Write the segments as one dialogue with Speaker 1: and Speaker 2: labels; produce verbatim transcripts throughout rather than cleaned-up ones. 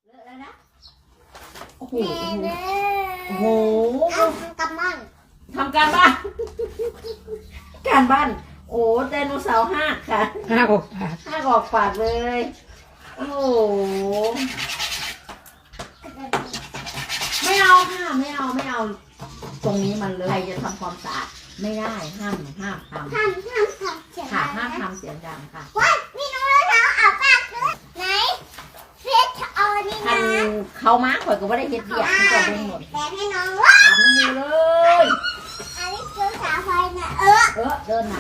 Speaker 1: เลอะแล้วนะโอ้โห
Speaker 2: แม่เด้
Speaker 1: โอ้โห
Speaker 2: เอาทำกับมัน
Speaker 1: ทำการบ้าน การบ้าน โอ้ไดโนเสาร์ห้าค่ะ
Speaker 3: ห้าออกปาก
Speaker 1: ห้ากออกปากเลย โอ้โห ไม่เอาค่ะ ไม่เอา ไม่เอา ตรงนี้มันเลยใครจะทำความสะอาดไม่ได้ ห้าม ห้ามทำ
Speaker 2: ทำทำทำเสียง
Speaker 1: ค่ะ
Speaker 2: ดั
Speaker 1: ห้าม
Speaker 2: งนะ
Speaker 1: ทำเสียงดังค่ะ
Speaker 2: ว้ายมีน้องเท้าอาบปากด้วยไหนเฟสเอาอันนี้
Speaker 1: ทั
Speaker 2: นะ
Speaker 1: นเขามาข่อยก็ไม่ได้เฮ็ดเบียกที่จะเป็นหมด
Speaker 2: แบ่งให้น้องว่า
Speaker 1: อาบน้ำมือเลย
Speaker 2: อันนี้คือสาไฟนะเออ
Speaker 1: เออเดินหนา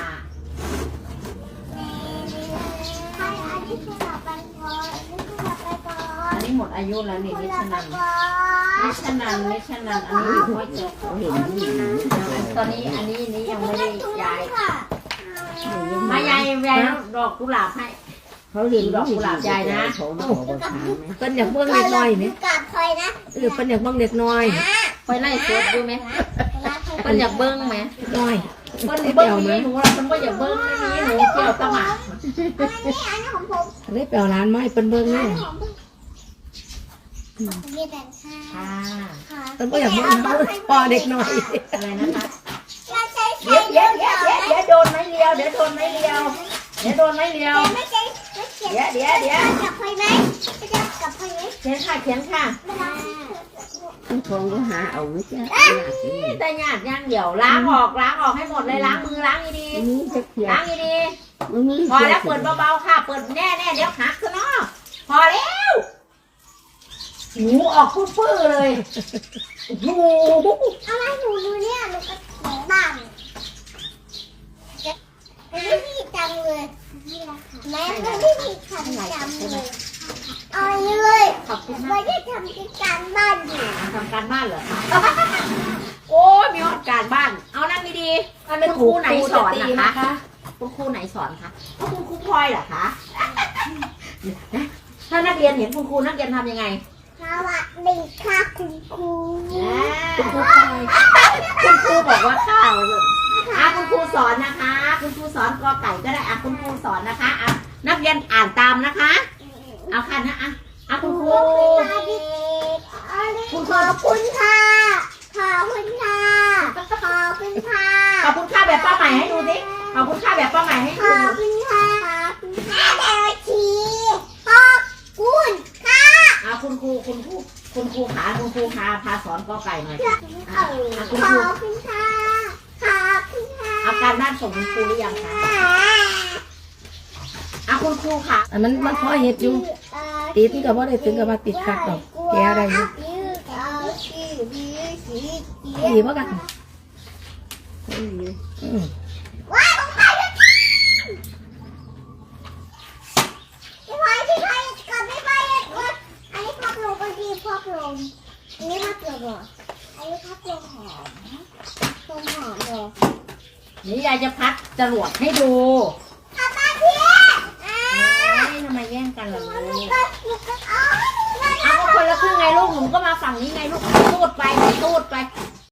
Speaker 2: ใช่อันนี้คือสาไฟก่อนอันนี้คือสาไฟก่อน
Speaker 1: อันนี้หมดอายุแล้วนี่นิชนัน
Speaker 2: ก่อน
Speaker 1: นิชนันนิชนันอันนี้อยู่ห้อยจบ
Speaker 3: เห็นผู้หญิง
Speaker 1: ตอนนี้อันนี้นี้ยังไม่ได้ย้าย
Speaker 2: ค่ะ
Speaker 1: มายายยายดอกกุหลาบให้
Speaker 3: เขาเห็น
Speaker 1: ดอกกุหลาบยายนะ
Speaker 3: เขามาขอบอกถามไหมเพิ่นอยากเบิ่งเล็กน้อยไหม
Speaker 2: กับคอยนะ
Speaker 3: เออเพิ่นอยากเบิ่งเล็กน้อย
Speaker 1: ไปไล่สดดูไหมเพิ่นอยากเบิ้งไหม
Speaker 3: น้อย
Speaker 1: เพิ่นเบิ้งนี่หนูเราเพิ่นก็อยากเบิ้งนี่หนูเกี่ยวตะหมา
Speaker 2: อันนี้อันนี้ของผม
Speaker 3: เลยไปเอาร้านไม้เพิ่นเบิ่ง
Speaker 2: อัน
Speaker 3: นี่
Speaker 2: นี้ของผมมีแต่ค่ะ
Speaker 1: ค่ะ
Speaker 2: ค่ะ
Speaker 3: เพิ่นบ่อยากเบิ่งเขาพอเด็กน้อย
Speaker 1: อะไรนะคะ
Speaker 2: เราใช้ใช้
Speaker 1: เดี๋ยวเดี๋ยวเดี๋ยวเดี๋ยวเดี๋ยวโดนไม้เลียวเดี๋ยวโดนไม้เลียวเดี๋ยวโดนไม้เลียว
Speaker 2: ไม่ใช่ไม่เขียน
Speaker 1: เดี๋ยวเดี๋ยวเดี๋ยว
Speaker 2: กับคอยไหมไม่ใช่กับคอยไหม
Speaker 1: เขียนค่ะเขียนค่ะ
Speaker 2: ไม่ได้
Speaker 3: ทองก็หาเอาไม่ใช่
Speaker 1: แต่หยาดย่างเดี๋ยวล้างออกล้างออกให้หมดเลยล้างมือล้างดี
Speaker 3: นี่จะเขีย
Speaker 1: ๆ
Speaker 3: น
Speaker 1: ล้างดี
Speaker 3: นี่
Speaker 1: ๆพอแล้วเปิดเบาๆค่ะ เปิดแน่แน่ๆเดี๋ยวหักซะเนาะพอแล้วหูออกฟื้อๆเลยโอ้โห
Speaker 2: อะไรหนูดูเนี่ยหนูก็ของบ้านไม่มีจังเลยแม่ไม่มีคำจำเลยเอาเลย
Speaker 1: ขอบคุณ
Speaker 2: ไม่
Speaker 1: มาก
Speaker 2: ได้ทำกิจการบ้านอยู่
Speaker 1: ทำการบ้านเหรอคะโอ้ยมีหอดการบ้าน เอานั่งดีๆคุณครูไหนสอนนะคะคุณครูไหนสอนคะคุณครูพลอยเหรอคะถ้านักเรียนเห็นคุณครูนักเรียนทำยังไง
Speaker 2: สวัสดีค่ะคุณครู
Speaker 1: คุณครูพลอยคุณครูบอกว่าข้าวเลยอ่ะคุณครูสอนนะคะ คุณครูสอนกอไก่ก็ได้อ่ะคุณครูสอนนะคะอ่ะนักเรียนอ่านตามนะคะ เอาค่ะนะอ่ะอ่ะคุณครู
Speaker 2: คุณขอบคุณค่ะขอบคุณค่ะขอบคุณค่ะ
Speaker 1: ขอบคุณค่าแบบป้าใหม่ให้ดูสิขอบคุณค่าแบบป้าใหม่ให้
Speaker 2: ข
Speaker 1: ดู
Speaker 2: อบคุณค่ะขอบคุณค่ะเดชีขอบคุณค่ะ
Speaker 1: อ่ะคุณครูคุณครูคุณครูขาคุณครูพาพาสอนกอไก่หน่อย
Speaker 2: ขอบคุณค่ะขอบคุณค่ะขอบคุณค่ะ
Speaker 1: เอาการบ้านส่งคุณครูหรือยังคะอ่ะคุณครูค่ะ
Speaker 3: อันนั้นมันพอเฮ็ดอยู่ติดก็บ่ได้ถึงกับว่าติดคักดอกแกได้อยู่ดีบ่กันอืม
Speaker 2: ว้ายของใครเนี่ยพี่พายพี่พายก่อนพี่พายก่อนอันนี้พักลงก็ดีพักลงอันนี้พักลงเหรออันนี้พักลงหอมลงหอมเหรอ
Speaker 1: นี่ยายจะพัดจรวดให้ดู
Speaker 2: กลับมาพี่อ่า
Speaker 1: เอ้ยทำไมแย่งกันล่ะลู
Speaker 2: หนู
Speaker 1: ก
Speaker 2: ก็หนูก็เอาให้หนูหน่อย
Speaker 1: เอาก็คนละครึ่งไงลูกหนูก็มาฝั่งนี้ไงลูก